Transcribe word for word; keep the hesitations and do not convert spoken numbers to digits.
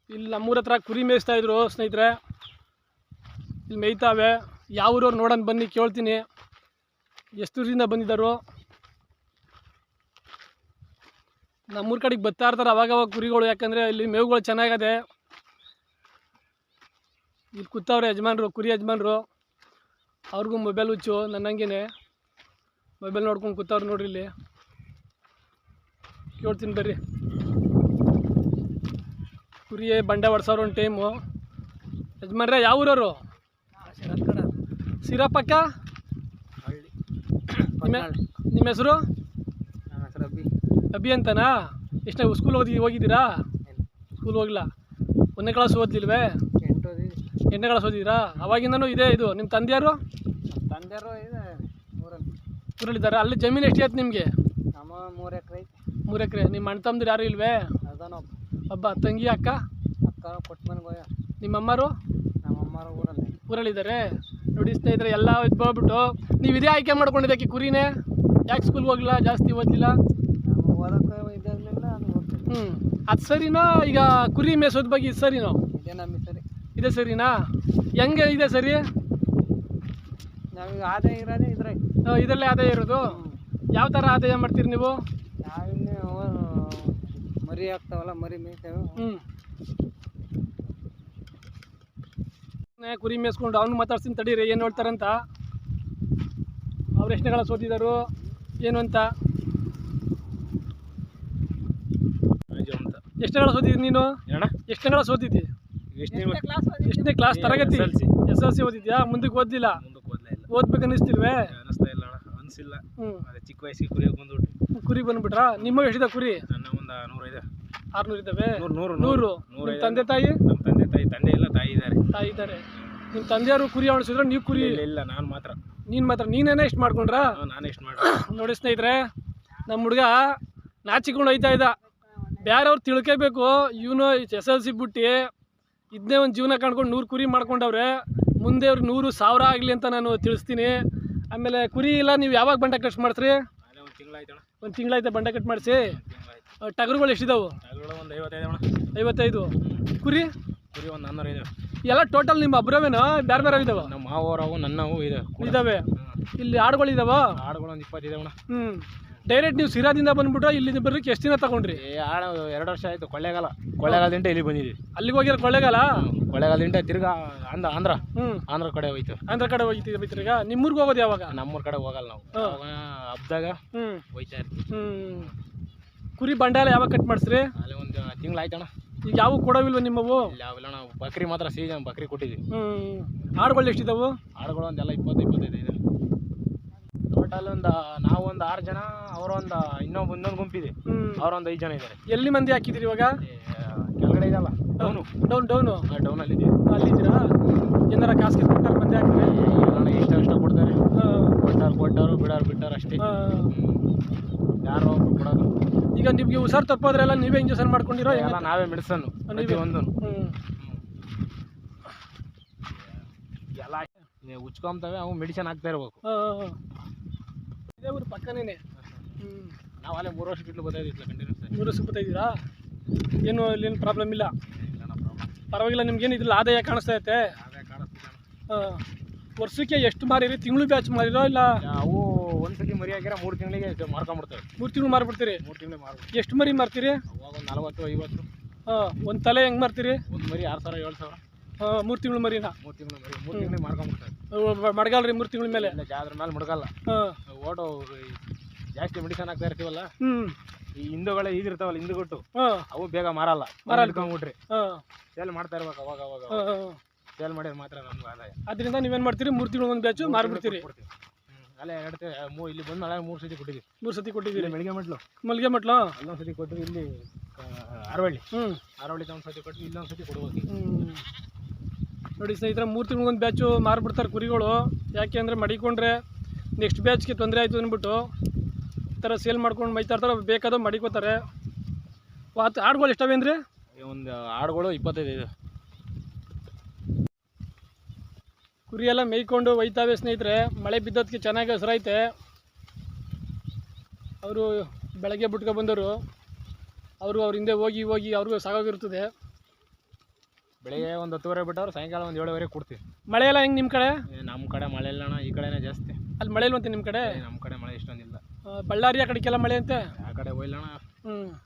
ಇಲ್ಲಿ ನಮ್ಮೂರ ಹತ್ರ ಕುರಿ ಮೇಯಿಸ್ತಾ ಇದ್ರು ಸ್ನೇಹಿತರೆ. ಇಲ್ಲಿ ಮೇಯ್ತಾವೆ. ಯಾವ ಊರವ್ರು ನೋಡೋಣ ಬನ್ನಿ, ಕೇಳ್ತೀನಿ ಎಷ್ಟು ದೂರದಿಂದ ಬಂದಿದ್ದಾರೋ. ನಮ್ಮೂರ ಕಡೆಗೆ ಬರ್ತಾ ಇರ್ತಾರೆ ಅವಾಗವಾಗ ಕುರಿಗಳು, ಯಾಕಂದರೆ ಇಲ್ಲಿ ಮೇವುಗಳು ಚೆನ್ನಾಗದೆ. ಇಲ್ಲಿ ಕೂತವ್ರೆ ಯಜಮಾನ್ರು, ಕುರಿ ಯಜಮಾನ್ರು. ಅವ್ರಿಗೂ ಮೊಬೈಲ್ ಹುಚ್ಚು ನನ್ನಂಗೆ, ಮೊಬೈಲ್ ನೋಡ್ಕೊಂಡು ಕೂತವ್ರು ನೋಡ್ರಿ. ಇಲ್ಲಿ ಕೇಳ್ತೀನಿ ಬರ್ರಿ. ಕುರಿ ಬಂಡೆ ಹೊಡ್ಸೋರು ಒಂದು ಟೈಮು. ಯಜಮಾನ್ರೆ ಯಾವ ಊರವರು? ಸಿರಪ್ಪಕ್ಕ. ನಿಮ್ಮ ನಿಮ್ಮ ಹೆಸರು? ಅಭಿ ಅಭಿ ಅಂತನಾ? ಎಷ್ಟನೇ ಸ್ಕೂಲ್ ಓದಿ ಹೋಗಿದ್ದೀರಾ? ಸ್ಕೂಲ್ ಹೋಗಿಲ್ಲ. ಒಂದನೇ ಕ್ಲಾಸ್ ಓದ್ಲಿಲ್ವೇ? ಎಂಟು ಎಂಟನೇ ಕ್ಲಾಸ್ ಓದಿದ್ದೀರಾ? ಅವಾಗಿಂದನೂ ಇದೆ ಇದು. ನಿಮ್ಮ ತಂದೆಯವರು? ತಂದೆಯವರು ಇದೆ ಊರಲ್ಲಿ ಊರಲ್ಲಿದ್ದಾರೆ. ಅಲ್ಲಿ ಜಮೀನು ಎಷ್ಟು ಆಯ್ತು ನಿಮಗೆ? ನಮ್ಮ ಮೂರು ಎಕರೆ ಐತೆ. ಮೂರು ಎಕರೆ. ನಿಮ್ಮ ಅಣ್ಣ ತಮ್ಮದಿರು ಯಾರು ಇಲ್ವೇ? ಅದನೊಬ್ಬ ಒಬ್ಬ ತಂಗಿ, ಅಕ್ಕ? ಅಕ್ಕ ಕೊಟ್ಟು ಮನೆಗೆ ಹೋಯ. ನಿಮ್ಮ ಅಮ್ಮರು? ನಮ್ಮ ಅಮ್ಮರು ಊರಲ್ಲಿ ಊರಲ್ಲಿದ್ದಾರೆ. ನೋಡಿ ಸ್ನೇಹಿತರೆ, ಎಲ್ಲ ಇದು ಬಂದ್ಬಿಟ್ಟು ನೀವು ಇದೇ ಆಯ್ಕೆ ಮಾಡ್ಕೊಂಡಿದ್ದಕ್ಕೆ ಕುರಿನೇ. ಯಾಕೆ ಸ್ಕೂಲ್ಗೆ ಹೋಗಿಲ್ಲ, ಜಾಸ್ತಿ ಓದಲಿಲ್ಲ? ನಮ್ಮ ಓದಕ್ಕೆ ಇದಿರಲಿಲ್ಲ, ಅದು ಓದ್ತೀವಿ. ಹ್ಞೂ ಅದು ಸರಿನೋ? ಈಗ ಕುರಿ ಮೇಸೋದ್ ಬಗ್ಗೆ ಇದು ಸರಿನೋ? ಇದೇ ನಮ್ಮ ಸರಿ. ಇದೆ ಸರಿನಾ? ಹೆಂಗೆ ಇದೆ ಸರಿ? ನಾವೀಗ ಆದಾಯ ಇರೋದೇ ಇದ್ರೆ ಇದರಲ್ಲೇ ಆದಾಯ ಇರೋದು. ಯಾವ ಥರ ಆದಾಯ ಮಾಡ್ತೀರಿ ನೀವು? ನಾವಿನ್ನೇ ಮರಿ ಆಗ್ತಾವಲ್ಲ, ಮರಿ ಮೇಯ್ತೇವೆ. ಹ್ಞೂ ಕುರಿ ಮೇಯಿಸ್ಕೊಂಡು ಅವ್ನು ಮಾತಾಡ್ತೀನಿ ತಡೀರಿ, ಏನು ಹೇಳ್ತಾರಂತ. ಅವ್ರು ಎಷ್ಟನೇ ಕ್ಲಾಸ್ ಓದಿದರು ಏನು ಅಂತ? ಎಷ್ಟನೇ ಕ್ಲಾಸ್ ಓದಿದ್ದಿ ನೀನು? ಎಷ್ಟನೇ ಕ್ಲಾಸ್ ಓದಿದ್ದಿ? ಎಷ್ಟನೇ ಕ್ಲಾಸ್ ತರಗತಿ? ಎಸ್ ಎಲ್ ಸಿ ಓದಿದ್ಯಾ? ಮುಂದಕ್ಕೆ ಓದಿಲ್ಲ? ಓದ್ಬೇಕು ಅನ್ನಿಸ್ತಿಲ್ವೇ? ಹ್ಞೂ ಚಿಕ್ಕ ವಯಸ್ಸಿಗೆ ಕುರಿ ಬಂದ್ಬಿಟ್ಟು ಕುರಿ ಬಂದ್ಬಿಟ್ರಾ? ನಿಮ್ಮ ಎಷ್ಟಿದೆ ಕುರಿ? ನನ್ನ ಒಂದು ನೂರು ಇದೆ. ಆರುನೂರು ಇದ್ದಾವೆ. ನೂರು ನೂರು. ನಿಮ್ಮ ತಂದೆ ತಾಯಿ? ನಮ್ಮ ತಂದೆ ತಾಯಿ ತಂದೆ ಇಲ್ಲ, ತಾಯಿ ಇದ್ದಾರೆ. ತಾಯಿ ಇದ್ದಾರೆ. ನಿಮ್ಮ ತಂದೆಯವರು ಕುರಿ ಆಡಿಸಿದ್ರೆ ನೀವು ಕುರಿ? ಇಲ್ಲ, ನಾನು ಮಾತ್ರ. ನೀನು ಮಾತ್ರ? ನೀನೇನೇ ಇಷ್ಟು ಮಾಡ್ಕೊಂಡ್ರಾ? ನಾನು ಎಷ್ಟು ಮಾಡಿ ನೋಡಿ ಸ್ನೇಹಿತರೆ, ನಮ್ಮ ಹುಡುಗ ನಾಚಿಕೊಂಡು ಹೋಯ್ತಾ ಇದ್ದ. ಬೇರೆಯವ್ರು ತಿಳ್ಕೋಬೇಕು, ಇವನು ಎಸ್ ಎಲ್ ಸಿ ಬಿಟ್ಟು ಇದನ್ನೇ ಒಂದು ಜೀವನ ಕಾಣ್ಕೊಂಡು ನೂರು ಕುರಿ ಮಾಡ್ಕೊಂಡವ್ರೆ. ಮುಂದೆ ಅವ್ರಿಗೆ ನೂರು ಸಾವಿರ ಆಗಲಿ ಅಂತ ನಾನು ತಿಳಿಸ್ತೀನಿ. ಆಮೇಲೆ ಕುರಿ ಇಲ್ಲ, ನೀವು ಯಾವಾಗ ಬಂಡೆ ಕಟ್ ಮಾಡಿಸ್ರಿ? ಒಂದು ತಿಂಗಳಾಯ್ತಣ್ಣ. ಒಂದು ತಿಂಗಳಾಯ್ತು ಬಂಡೆ ಕಟ್ ಮಾಡಿಸಿ. ಟಗರುಗಳು ಎಷ್ಟಿದಾವೆ? ಒಂದು ಐವತ್ತೈದು ಅಣ್ಣ. ಐವತ್ತೈದು. ಕುರಿ? ಕುರಿ ಒಂದು ನಾನ್ನೂರು ಇದೆ. ಎಲ್ಲ ಟೋಟಲ್ ನಿಮ್ಮ ಒಬ್ಬರವೇನೋ ಬೇರೆ ಬೇರೆ ಇದಾವೆ? ನಮ್ಮ ಮಾವರವು ನನ್ನವು ಇದೆ ಇದ್ದಾವೆ. ಇಲ್ಲಿ ಆಡುಗಳು ಇದಾವ? ಆಡುಗಳು ಒಂದು ಇಪ್ಪತ್ತು ಇದಾವಣ್ಣ. ಹ್ಞೂ ಡೈರೆಕ್ಟ್ ನೀವು ಸಿರಾದಿಂದ ಬಂದ್ಬಿಟ್ಟು ಇಲ್ಲಿ ಬರ್ಲಿಕ್ಕೆ ಎಷ್ಟು ದಿನ ತಗೊಂಡ್ರಿ? ಆಡು ಎರಡು ವರ್ಷ ಆಯಿತು. ಕೊಳ್ಳೇಗಾಲ ಕೊಳ್ಳೇಗಾಲದಿಂದ ಇಲ್ಲಿ ಬಂದಿದ್ದೀವಿ. ಅಲ್ಲಿಗೆ ಹೋಗಿರೋ ಕೊಳ್ಳೇಗಾಲ? ಕೊಳ್ಳೇಗಾಲದಿಂದ ತಿರ್ಗಾ ಆಂಧ್ರ ಆಂಧ್ರ ಹ್ಞೂ ಆಂಧ್ರ ಕಡೆ ಹೋಯ್ತು. ಆಂಧ್ರ ಕಡೆ ಹೋಗ್ತೀವಿ ಬೈತೀರಿ. ಈಗ ನಿಮ್ಮೂರ್ಗೆ ಹೋಗೋದು ಯಾವಾಗ? ನಮ್ಮೂರ ಕಡೆ ಹೋಗಲ್ಲ ನಾವು. ಹಬ್ದಾಗ ಹ್ಞೂ ಹೋಯ್ತಾ ಇರ್ತೀವಿ. ಹ್ಞೂ ಕುರಿ ಬಂಡೆ ಎಲ್ಲ ಯಾವಾಗ ಕಟ್ ಮಾಡಿಸ್ರಿ? ಅಲ್ಲಿ ಒಂದು ತಿಂಗಳು ಆಯ್ತಣ್ಣ. ಈಗ ಯಾವ ಕೊಡೋವಿಲ್ವ ನಿಮ್ಮವು? ಯಾವಿಲ್ಲ ನಾವು ಬಕ್ರಿ ಮಾತ್ರ ಸೀಸನ್ ಬಕ್ರಿ ಕೊಟ್ಟಿದ್ದೀವಿ. ಹ್ಞೂ ಆಡುಗಳು ಎಷ್ಟಿದ್ದಾವು? ಆಡುಗಳು ಒಂದೆಲ್ಲ ಇಪ್ಪತ್ತು ಇಪ್ಪತ್ತೈದು ಇದೆ ಟೋಟಲ್. ಒಂದು ನಾವು ಒಂದು ಆರು ಜನ, ಅವರೊಂದು ಇನ್ನೊಂದು ಇನ್ನೊಂದು ಗುಂಪಿದೆ, ಅವರೊಂದು ಐದು ಜನ ಇದ್ದಾರೆ. ಎಲ್ಲಿ ಮಂದಿ ಹಾಕಿದ್ದೀರಿ ಇವಾಗ? ಕೆಳಗಡೆ ಇದಲ್ಲ, ಡೌನು ಡೌನ್ ಡೌನು ಡೌನಲ್ಲಿ ಇದ್ದೀವಿ. ಅಲ್ಲಿದ್ದೀರಾ? ಏನಾರ ಕಾಸ್ಗೆ ಕೊಟ್ಟಾರ ಮಂದಿ ಹಾಕಿದ್ರೆ? ಇಷ್ಟ ಇಷ್ಟ ಕೊಡ್ತಾರೆ. ಕೊಟ್ಟಾರು ಕೊಟ್ಟರು, ಬಿಡೋರು ಬಿಟ್ಟಾರು ಅಷ್ಟೇ. ಯಾರೋ ಒಬ್ರು ಕೊಡೋದು. ಈಗ ನಿಮಗೆ ಹುಷಾರು ತಪ್ಪೋದ್ರೆಲ್ಲ ನೀವೇ ಇಂಜೆಕ್ಷನ್ ಮಾಡ್ಕೊಂಡಿರೋ? ಎಲ್ಲ ನಾವೇ ಮೆಡಿಸನ್ನು ಒಂದು ಎಲ್ಲ ಉಚ್ಕೊಂತವೆ. ಅವು ಮೆಡಿಸಿನ್ ಹಾಕ್ತಾ ಇರ್ಬೇಕು. ಇದೇ ಊರು ಪಕ್ಕನೇ. ಹ್ಞೂ ನಾವು ಅಲ್ಲೇ ಮೂರು ವರ್ಷ ಬಿಟ್ಟು ಬರ್ತಾಯಿದ್ದಿಲ್ಲ ಕಂಟಿನ್ಯೂಸ್. ಮೂರು ವರ್ಷ ಬರ್ತಾಯಿದ್ದೀರಾ? ಏನು ಇಲ್ಲೇನು ಪ್ರಾಬ್ಲಮ್ ಇಲ್ಲ? ಪರವಾಗಿಲ್ಲ. ನಿಮ್ಗೇನು ಇದ್ರಲ್ಲಿ ಆದಾಯ ಕಾಣಿಸ್ತಾ ಐತೆ? ಹಾಂ. ವರ್ಷಕ್ಕೆ ಎಷ್ಟು ಮಾರಿರಿ? ತಿಂಗಳು ಬ್ಯಾಚ್ ಮಾರಿರೋ ಇಲ್ಲ? ಅವು ಒಂದು ಸತಿ ಮರಿ ಹಾಕಿರ ಮೂರು ತಿಂಗಳಿಗೆ ಮಾರ್ಕೊಂಡ್ಬಿಡ್ತೇವೆ. ಮೂರು ತಿಂಗಳು ಮಾರ್ಬಿಡ್ತೀರಿ? ಮೂರು ತಿಂಗಳು ಮಾರ್ಬಿಡ್ತೀವಿ. ಎಷ್ಟು ಮರಿ ಮಾರ್ತೀರಿ? ಅವಾಗ ಒಂದು ನಲವತ್ತು ಐವತ್ತು. ಹಾಂ. ಒಂದು ತಲೆ ಹೆಂಗೆ ಮಾರ್ತೀರಿ? ಒಂದು ಮರಿ ಆರು ಸಾವಿರ ಏಳು ಸಾವಿರ. ಹಾಂ. ಮೂರು ತಿಂಗಳು ಮರಿನಾ? ಮೂರು ತಿಂಗಳು ಮರಿ ಮೂರು ತಿಂಗಳಿಗೆ ಮಾರ್ಕೊಂಡ್ಬಿಡ್ತೇವೆ. ಮಡಗಲ್ಲ ರೀ ಮೂರು ತಿಂಗಳ ಮೇಲೆ? ಇಲ್ಲ, ಜಾದ್ರ ಮೇಲೆ ಮಡಗಲ್ಲ. ಹಾಂ. ಓಟೋ ಜಾಸ್ತಿ ಮೆಡಿಸನ್ ಹಾಕ್ತಾ ಇರ್ತೀವಲ್ಲ, ಹ್ಞೂ ಈ ಹಿಂದುಗಳೇ ಇದಿರ್ತಾವಲ್ಲ ಹಿಂದುಗೊಟ್ಟು, ಹಾಂ, ಅವು ಬೇಗ ಮಾರಲ್ಲ. ಮಾರಲ್ಕೊಂಡ್ಬಿಟ್ರಿ ಹಾಂ ಸೇಲ್ ಮಾಡ್ತಾ ಇರ್ಬೇಕು. ಅವಾಗ ಅವಾಗ ಸೇಲ್ ಮಾಡಿದ್ರೆ ಮಾತ್ರ ನಮ್ಗೆ ಆದಾಯ. ಅದರಿಂದ ನೀವೇನು ಮಾಡ್ತೀರಿ? ಮೂರು ತಿಂಗಳು ಒಂದು ಬ್ಯಾಚು ಮಾರ್ಬಿಡ್ತೀರಿ? ಅಲ್ಲೇ ಎರಡು ಮೂ ಇಲ್ಲಿ ಬಂದು ನಾಳೆ ಮೂರು ಸತಿ ಕೊಟ್ಟಿದ್ದೀವಿ. ಮೂರು ಸತಿ ಕೊಟ್ಟಿದ್ದೀರಿ? ಮಳಿಗೆ ಮಟ್ಲು ಮಲ್ಲಿಗೆ ಮಟ್ಲು ಅಲ್ಲೊಂದು ಸತಿ ಕೊಟ್ಟು, ಇಲ್ಲಿ ಅರವಳ್ಳಿ ಹ್ಞೂ ಅರವಳ್ಳಿ ಒಂದು ಸತಿ ಕೊಟ್ಟು, ಇಲ್ಲೊಂದು ಸತಿ ಕೊಡ್ಬೇಕು. ಹ್ಞೂ ನೋಡಿ ಸ್ನೇಹಿತರೆ, ಮೂರು ತಿಂಗಳಿಗೊಂದು ಬ್ಯಾಚು ಮಾರ್ಬಿಡ್ತಾರೆ ಕುರಿಗಳು. ಯಾಕೆ ಅಂದರೆ ಮಡಿಕೊಂಡ್ರೆ ನೆಕ್ಸ್ಟ್ ಬ್ಯಾಚ್ಗೆ ತೊಂದರೆ ಆಯಿತು ಅಂದ್ಬಿಟ್ಟು ಈ ಥರ ಸೇಲ್ ಮಾಡ್ಕೊಂಡು ಮೈತಾ ಇರ್ತಾರೆ. ಬೇಕಾದೋ ಮಡಿಕೋತಾರೆ. ವಾತ್ ಆಡುಗಳು ಎಷ್ಟವೇನ್ರಿ? ಒಂದು ಆಡುಗಳು ಇಪ್ಪತ್ತೈದು ಇದೆ. ಕುರಿ ಎಲ್ಲ ಮೇಯ್ಕೊಂಡು ಒಯ್ತಾವೆ ಸ್ನೇಹಿತರೆ. ಮಳೆ ಬಿದ್ದೋದಕ್ಕೆ ಚೆನ್ನಾಗಿ ಹಸಿರೈತೆ. ಅವರು ಬೆಳಗ್ಗೆ ಬಿಟ್ಕೊ ಬಂದವರು, ಅವರು ಅವ್ರ ಹಿಂದೆ ಹೋಗಿ ಹೋಗಿ ಅವ್ರಿಗೂ ಸಾಗೋಗಿರ್ತದೆ. ಬೆಳಿಗ್ಗೆ ಒಂದು ಹತ್ತುವರೆ ಬಿಟ್ಟವ್ರು ಸಾಯಂಕಾಲ ಒಂದು ಏಳುವರೆಗೆ ಕೊಡ್ತೀವಿ. ಮಳೆ ಎಲ್ಲ ಹೆಂಗೆ ನಿಮ್ಮ ಕಡೆ? ನಮ್ಮ ಕಡೆ ಮಳೆ ಇಲ್ಲ ಅಣ್ಣ, ಈ ಕಡೆನೇ ಜಾಸ್ತಿ. ಅಲ್ಲಿ ಮಳೆ ಇಲ್ವಂತೆ ನಿಮ್ಮ ಕಡೆ? ನಮ್ಮ ಕಡೆ ಮಳೆ ಇಷ್ಟೊಂದಿಲ್ಲ. ಆ, ಬಳ್ಳಾರಿ ಆ ಕಡೆಗೆಲ್ಲ ಮಳೆ ಅಂತೆ. ಆ ಕಡೆ ಹೋಯ್ಲಣ್ಣ. ಹ್ಞೂ